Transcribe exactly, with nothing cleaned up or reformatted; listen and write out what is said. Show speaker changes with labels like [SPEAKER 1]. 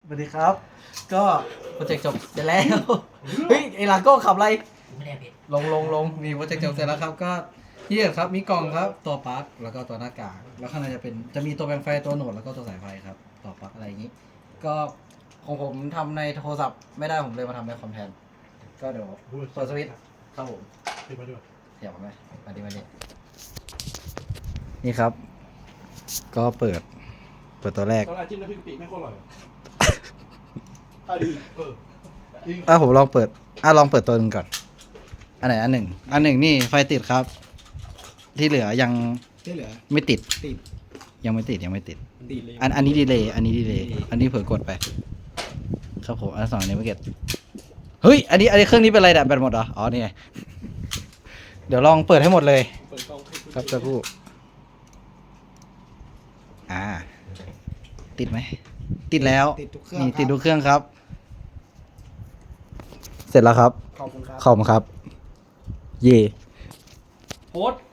[SPEAKER 1] สวัสดีครับ ก็โปรเจกต์จบเสร็จแล้ว เฮ้ยไอลาโก้ขับอะไร
[SPEAKER 2] ไม่ได้เพชร
[SPEAKER 1] ลงลงลงมีโปรเจกต์จบเสร็จแล้วครับ ก็ที่เห็นครับมีกล่องครับตัวปลั๊กแล้วก็ตัวหน้ากากแล้วข้างในจะเป็นจะมีตัวแปลงไฟตัวโหนดแล้วก็ตัวสายไฟครับต่อปลั๊กอะไรอย่างนี้ ก็ของผมทำในโทรศัพท์ไม่ได้ผมเลยมาทำในคอมแทนก็เดี๋ยวเปิดสวิตช์ครับผม
[SPEAKER 3] ติดมาด้วย
[SPEAKER 1] เดี๋ยวมาไหมมาดิมาดินี่ครับ ก็เปิด เปิดตัวแรก
[SPEAKER 3] ตอนแรกจิ้มน้ำพริกกะปิไม่ค่อยอร่อยอ่ะดีเออจริง
[SPEAKER 1] อ่ะผมลองเปิดอ่ะลองเปิดตัวหนึ่งก่อน อันไหนอันหนึ่ง อันหนึ่งนี่ไฟติดครับ ที่เหลือยัง
[SPEAKER 3] ที่เหลือ
[SPEAKER 1] ไม่ติด
[SPEAKER 3] ติด
[SPEAKER 1] ยังไม่ติดยังไม่ติด
[SPEAKER 3] ติดเลย
[SPEAKER 1] อันอันนี้ดีเลยอันนี้ดีเลยอันนี้เผลอกดไป ครับผมอันสองอันนี้ไม่เก็ตเฮ้ยอันนี้อันนี้เครื่องนี้เป็นอะไรดับแบตหมดเหรออ๋อนี่ไงเดี๋ยวลองเปิดให้หมดเลย
[SPEAKER 3] เปิดกล้องให้ณ
[SPEAKER 1] ครับจะพูดอ่า ติดไหมติดแล้ว
[SPEAKER 3] ติดทุกเครื่อง
[SPEAKER 1] นี่ติดทุกเครื่องครับ เสร็จแล้วครับ
[SPEAKER 3] ขอบคุณครับ
[SPEAKER 1] ขอบคุณครับ เย่
[SPEAKER 3] โพสต์